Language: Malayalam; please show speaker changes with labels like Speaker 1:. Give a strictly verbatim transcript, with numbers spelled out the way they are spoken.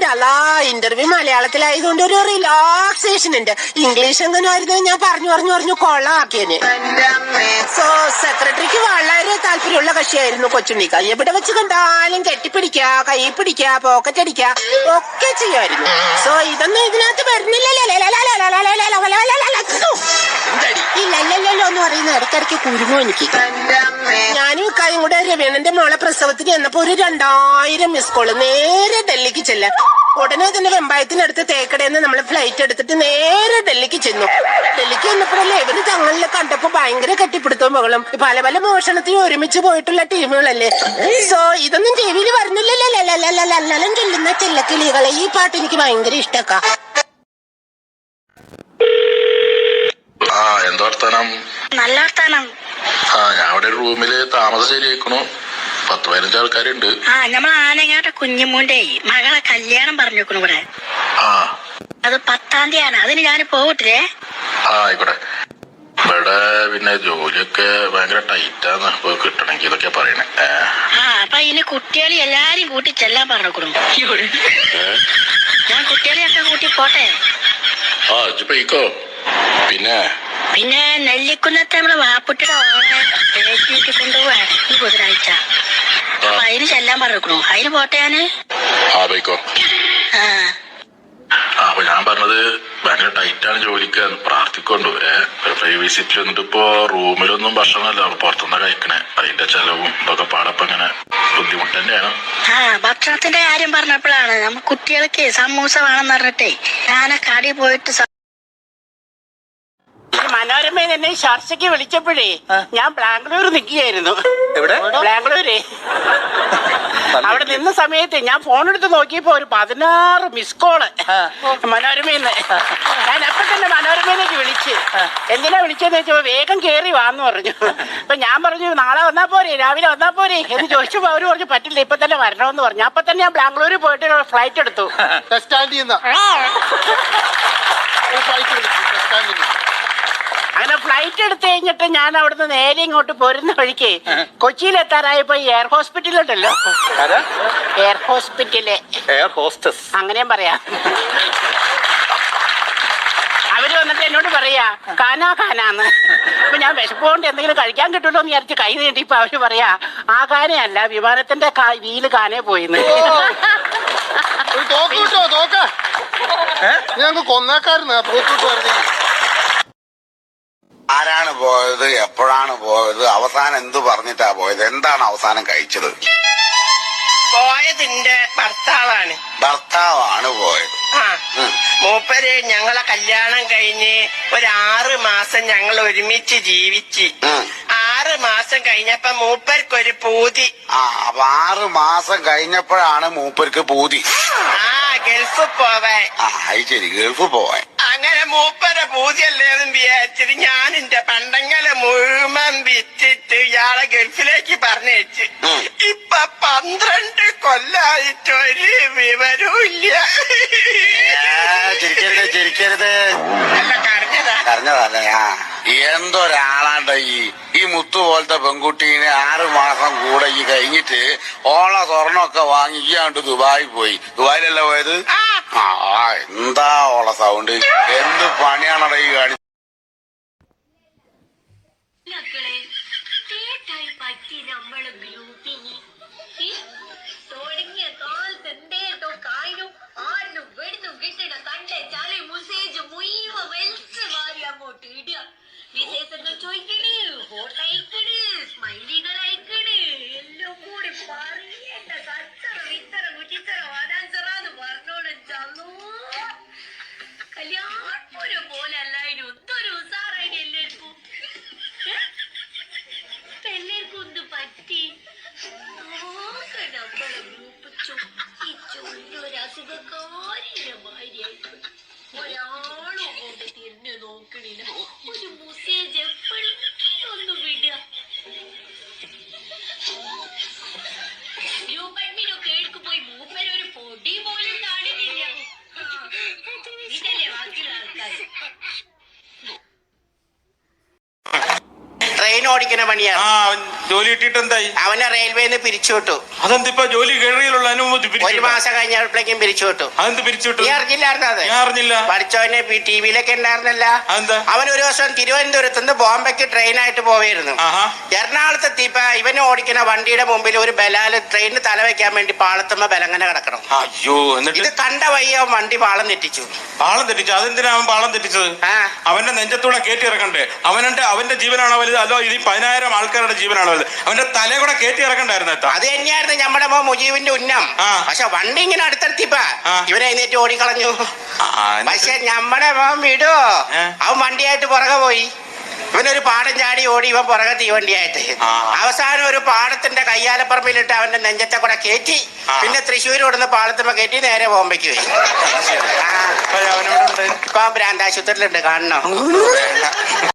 Speaker 1: എന്റെ അല്ലാ ഇന്റർവ്യൂ മലയാളത്തിലായതുകൊണ്ട് ഒരു റിലാക്സേഷൻ ഉണ്ട്. ഇംഗ്ലീഷ് എങ്ങനെ ആയിരുന്നു ഞാൻ പറഞ്ഞു പറഞ്ഞു പറഞ്ഞു കൊള്ളാക്കിയന്. സോ സെക്രട്ടറിക്ക് വളരെ താല്പര്യമുള്ള കക്ഷിയായിരുന്നു കൊച്ചുണ്ണിക്ക. എവിടെ വെച്ച് കണ്ടാലും കെട്ടിപ്പിടിക്ക, കൈ പിടിക്ക, പോക്കറ്റ് അടിക്ക ഒക്കെ ചെയ്യുമായിരുന്നു. സോ ഇതൊന്നും ഇതിനകത്ത് വരുന്നില്ലല്ലോ ഇല്ലല്ലോ എന്ന് പറയുന്ന ഇടയ്ക്കിടയ്ക്ക് കുരുങ്ങോ എനിക്ക്. ഞാനും ഇക്കായും കൂടെ രവീണന്റെ മോളെ പ്രസവത്തിന് ചെന്നപ്പോ ഒരു രണ്ടായിരം മിസ് കോള്. നേരെ ഡൽഹിക്ക് ചെല്ലാം. ഉടനെ തന്നെ വെമ്പായത്തിനടുത്ത് തേക്കടയിൽ നിന്ന് നമ്മള് ഫ്ലൈറ്റ് എടുത്തിട്ട് നേരെ ഡൽഹിക്ക് ചെന്നു. ഡൽഹിക്ക് ചെന്നപ്പോഴല്ലേ ഇവര് തങ്ങളിലെ കണ്ടപ്പോ ഭയങ്കര കെട്ടിപ്പിടുത്തവും മകളും പല പല മോഷണത്തിന് ഒരുമിച്ച് പോയിട്ടുള്ള ടീമുകളല്ലേ. സോ ഇതൊന്നും ടി വിയിൽ വരുന്നില്ലല്ലോ ചൊല്ലുന്ന ചെല്ലക്കിളികളെ. ഈ പാട്ട് എനിക്ക് ഭയങ്കര ഇഷ്ടക്കാ.
Speaker 2: എന്താ വർത്താനം?
Speaker 3: നല്ല വർത്താനം.
Speaker 2: ആ ഞാൻ അവിടെ റൂമില് താമസം ശരിയാക്കണു. പത്ത് പതിനഞ്ച് ആൾക്കാരുണ്ട്.
Speaker 3: ആ നമ്മളെ ആനങ്ങാട്ടെ കുഞ്ഞുമൂന്റെ മകളെ കല്യാണം പറഞ്ഞു വെക്കണു ഇവിടെ.
Speaker 2: ആ
Speaker 3: അത് പത്താം തീയതിയാണ്. അതിന് ഞാൻ പോകട്ടില്ലേ?
Speaker 2: ആ ആയിക്കോട്ടെ. ഇവിടെ പിന്നെ ജോലിയൊക്കെ ഭയങ്കര ടൈറ്റാന്ന്. ഇപ്പൊ കിട്ടണമെങ്കിൽ ഇതൊക്കെ പറയണേ.
Speaker 3: ആ അപ്പൊ അതിന് കുട്ടികളെ എല്ലാരും കൂട്ടി ചെല്ലാൻ പറഞ്ഞു. ഞാൻ കുട്ടികളെയൊക്കെ കൂട്ടി പോട്ടെ.
Speaker 2: ആ ഇജ്ജ് പോയിക്കോ. പിന്നെ
Speaker 3: പിന്നെ നെല്ലിക്കുന്നത്തെ നമ്മളെ വാപ്പുട്ടിയുടെ ഓണെ കൊണ്ടുപോവാണ് ഈ ബുധനാഴ്ച. അപ്പൊ അതിന് ചെല്ലാൻ പറഞ്ഞു. അതിന് പോട്ടെ ഞാന്.
Speaker 2: ആ പോയിക്കോ.
Speaker 3: ആ
Speaker 2: അപ്പൊ ഞാൻ പറഞ്ഞത് ഭയങ്കര ടൈറ്റാണ് ജോലിക്ക്. പ്രാർത്ഥിക്കൊണ്ടു. ഏഹ് ഫ്ലൈ വിസിറ്റിൽ വന്നിട്ട് ഇപ്പൊ റൂമിലൊന്നും ഭക്ഷണമല്ല പുറത്തുനിന്ന് കഴിക്കണേ. അതിന്റെ ചെലവും ഇതൊക്കെ പാടപ്പം ഇങ്ങനെ ബുദ്ധിമുട്ട് തന്നെയാണ്.
Speaker 3: ആ ഭക്ഷണത്തിന്റെ കാര്യം പറഞ്ഞപ്പോഴാണ് നമ്മ കുട്ടികൾക്ക് സമൂസ വേണമെന്ന് പറഞ്ഞിട്ടേ ഞാനെ കടി പോയിട്ട്
Speaker 1: മനോരമ എന്നെ ചർച്ചയ്ക്ക് വിളിച്ചപ്പോഴേ ഞാൻ ബാംഗ്ലൂർ നിൽക്കുകയായിരുന്നു. ബാംഗ്ലൂര് അവിടെ നിന്ന സമയത്ത് ഞാൻ ഫോൺ എടുത്ത് നോക്കിയപ്പോ ഒരു പതിനാറ് മിസ് കോള് മനോരമയിന്ന്. ഞാൻ അപ്പൊ തന്നെ മനോരമയിലേക്ക് വിളിച്ച് എന്തിനാ വിളിച്ചെന്ന് വെച്ചപ്പോ വേഗം കേറി വാന്ന് പറഞ്ഞു. അപ്പൊ ഞാൻ പറഞ്ഞു നാളെ വന്നാ പോരെ, രാവിലെ വന്നാ പോരെ എന്ന് ചോദിച്ചപ്പോ അവര് പറഞ്ഞു പറ്റില്ല, ഇപ്പൊ തന്നെ വരണമെന്ന് പറഞ്ഞു. അപ്പൊ തന്നെ ഞാൻ ബാംഗ്ലൂരിൽ പോയിട്ട് ഫ്ലൈറ്റ് എടുത്തു. അങ്ങനെ ഫ്ലൈറ്റ് എടുത്തു കഴിഞ്ഞിട്ട് ഞാൻ അവിടുന്ന് നേരെ ഇങ്ങോട്ട് പോരുന്ന വഴിക്ക് കൊച്ചിയിൽ എത്താറായപ്പോ എയർ ഹോസ്പിറ്റലുണ്ടല്ലോ, എയർ ഹോസ്പിറ്റല്,
Speaker 4: എയർ ഹോസ്റ്റസ് അങ്ങനെയും
Speaker 1: പറയാ. അവര് വന്നിട്ട് എന്നോട് പറയാ കാനാ കാനാന്ന്. അപ്പൊ ഞാൻ വിശപ്പോണ്ട് എന്തെങ്കിലും കഴിക്കാൻ കിട്ടുമല്ലോ എന്ന് വിചാരിച്ച് കൈ നീട്ടിയപ്പോ അവര് പറയാ ആ കാനയല്ല, വിമാനത്തിന്റെ വീല് കാനേ പോയിന്ന്.
Speaker 5: ആരാണ് പോയത്, എപ്പോഴാണ് പോയത്, അവസാനം എന്ത് പറഞ്ഞിട്ടാ പോയത്, എന്താണ് അവസാനം കഴിച്ചത്?
Speaker 1: പോയതിന്റെ ഭർത്താവാണ്.
Speaker 5: ഭർത്താവാണ് പോയത്.
Speaker 1: ആ മൂപ്പര് ഞങ്ങളെ കല്യാണം കഴിഞ്ഞ് ഒരാറ് മാസം ഞങ്ങൾ ഒരുമിച്ച് ജീവിച്ച്. ആറ് മാസം കഴിഞ്ഞപ്പോ മൂപ്പർക്കൊരു പൂതി.
Speaker 5: ആ അപ്പൊ ആറ് മാസം കഴിഞ്ഞപ്പോഴാണ് മൂപ്പർക്ക് പൂതി.
Speaker 1: ആ ഗൾഫ് പോവാൻ.
Speaker 5: ആ ശരി, ഗൾഫ് പോവാൻ.
Speaker 1: അങ്ങനെ മൂപ്പരെ പൂതിയല്ലേന്നും വിചാരിച്ചിട്ട് ഞാൻ എന്റെ പണ്ടങ്ങളെ മുഴുവൻ വിറ്റിട്ട് ഇയാളെ ഗൾഫിലേക്ക് പറഞ്ഞയച്ച്. ഇപ്പൊ പന്ത്രണ്ട് കൊല്ലായിട്ട് ഒരു വിവരവും ഇല്ല.
Speaker 5: ചിരിക്കരുത് ചിരിക്കരുത്.
Speaker 1: അല്ല കരഞ്ഞതാ.
Speaker 5: കരഞ്ഞതല്ലേ? ആ എന്തൊരാളാണ്ട ഈ ഈ മുത്തു പോലത്തെ പെൺകുട്ടീനെ ആറ് മാസം കൂടെ ഈ കഴിഞ്ഞിട്ട് ഓള സ്വർണ്ണമൊക്കെ വാങ്ങി ഇയാണ്ട് ദുബായി പോയി. ദുബായിലല്ല പോയത്? ആ എന്താ ഓള സൗണ്ട്, എന്ത് പണിയാണട ഈ കാണി.
Speaker 6: തുടങ്ങിയ കാലത്ത് എന്തേട്ടോ കായനും ആടിനും വെടിനും കിട്ടണ കണ്ടെ ചളി മുസേജ് മുയ്യുവ വെൽസ് മാറി അങ്ങോട്ട് ഇടുക. വിശേഷങ്ങൾ ചോദിക്കണ്, ഫോട്ടോ അയക്കണ്, സ്മൈലികൾ അയക്കണ്, എല്ലാം കൂടി പറയേണ്ട കച്ചറ വിത്തറ കുറ്റിത്തറ വാടാൻസറാന്ന് പറഞ്ഞോളൂ. ചലോ കല്യാണപുരം പോലെ അല്ലായിരുന്നു ഒന്നൊരു ഉസാറായി എല്ലാവർക്കും. എല്ലാവർക്കും ഒന്ന് പറ്റി നമ്മളെ ഗ്രൂപ്പ് ഈ ചൊല്ലൊരു അസുഖക്കാരിന്റെ ഭാര്യയായിട്ട് ഒരാളും അങ്ങോട്ട് തിരിഞ്ഞു നോക്കണില്ല. ഒരു മെസ്സേജ് എപ്പോഴെങ്കിലും ഒന്ന് വിടുക. ഗ്രൂപ്പ് അഡ്മിനൊക്കെ എടുക്ക് പോയി മൂപ്പരൊരു പൊടി പോലും കാണുന്നില്ല. ഇതല്ലേ ബാക്കിയുള്ള ആൾക്കാർ.
Speaker 1: ട്രെയിൻ ഓടിക്കുന്ന പണിയാണ്.
Speaker 7: ജോലി കിട്ടിയിട്ട് എന്തായി?
Speaker 1: അവനെ റെയിൽവേന്ന് പിരിച്ചുവിട്ടു.
Speaker 7: അതെന്തിപ്പോ ജോലി കയറിയുള്ള അനുമതി
Speaker 1: ഒരു മാസം കഴിഞ്ഞപ്പോഴേക്കും പിരിച്ചുവിട്ടു.
Speaker 7: അതെന്ത് പിരിച്ചുവിട്ടു?
Speaker 1: നീ അറിഞ്ഞില്ലായിരുന്നു അത്?
Speaker 7: ഞാൻ അറിഞ്ഞില്ല.
Speaker 1: പഠിച്ചവനെ ടി വിയിലൊക്കെ ഉണ്ടായിരുന്നല്ല.
Speaker 7: അതെന്താ?
Speaker 1: അവൻ ഒരു ദിവസം തിരുവനന്തപുരത്ത് നിന്ന് ബോംബെക്ക് ട്രെയിനായിട്ട് പോവായിരുന്നു.
Speaker 7: ആഹാ.
Speaker 1: എറണാകുളത്ത് എത്തിയപ്പോ ഇവനെ ഓടിക്കുന്ന വണ്ടിയുടെ മുമ്പിൽ ഒരു ബലാല് ട്രെയിനിന് തല വെക്കാൻ വേണ്ടി പാളത്തുമ്പോ ബലങ്ങനെ കിടക്കണം.
Speaker 7: അയ്യോ, എന്നിട്ട്
Speaker 1: ഇത് കണ്ട വയ്യ അവൻ വണ്ടി പാളം തെറ്റിച്ചു.
Speaker 7: പാളം തെറ്റിച്ചു? അതെന്തിനാ അവൻ പാളം തെറ്റിച്ചത്?
Speaker 1: ആ
Speaker 7: അവന്റെ നെഞ്ചത്തൂടെ കയറ്റി ഇറക്കണ്ടേ? അവന്റെ അവന്റെ ജീവനാണോ വലുത്, അതോ ഇനി പതിനായിരം ആൾക്കാരുടെ ജീവനാണോ വലുത്? അവന്റെ തലയെ കൂടെ കയറ്റി ഇറക്കണ്ടായിരുന്നു.
Speaker 1: അത് തന്നെയായിരുന്നു നമ്മുടെ മോ മുജീബിന്റെ ഉന്നം.
Speaker 7: ആ.
Speaker 1: പക്ഷെ വണ്ടി ഇങ്ങനെ അടുത്തെത്തിപ്പാ
Speaker 7: ആ.
Speaker 1: ഇവനെ എഴുന്നേറ്റ് ഓടിക്കളഞ്ഞു.
Speaker 7: ആ, എന്നിട്ട്?
Speaker 1: പക്ഷെ നമ്മുടെ മോൻ വിടോ,
Speaker 7: ഏ?
Speaker 1: അവൻ വണ്ടിയായിട്ട് പുറകെ പോയി. ഇവനൊരു പാടം ചാടി ഓടി, ഇവൻ പുറകെ തീവണ്ടിയായിട്ട്.
Speaker 7: ആ.
Speaker 1: അവസാനം ഒരു പാടത്തിന്റെ കയ്യാലപ്പറമ്പിലിട്ട് അവന്റെ നെഞ്ചത്തെ കൂടെ കയറ്റി.
Speaker 7: ആ.
Speaker 1: പിന്നെ തൃശ്ശൂർ കൊടുന്ന് പാളത്തുമ്പോ കയറ്റി നേരെ ബോംബെക്ക് പോയി.
Speaker 7: അപ്പൊ അവനോടുണ്ട്.
Speaker 1: ഇപ്പൊ ഭ്രാന്താശുപത്രിയിലുണ്ട്, കാണണോ?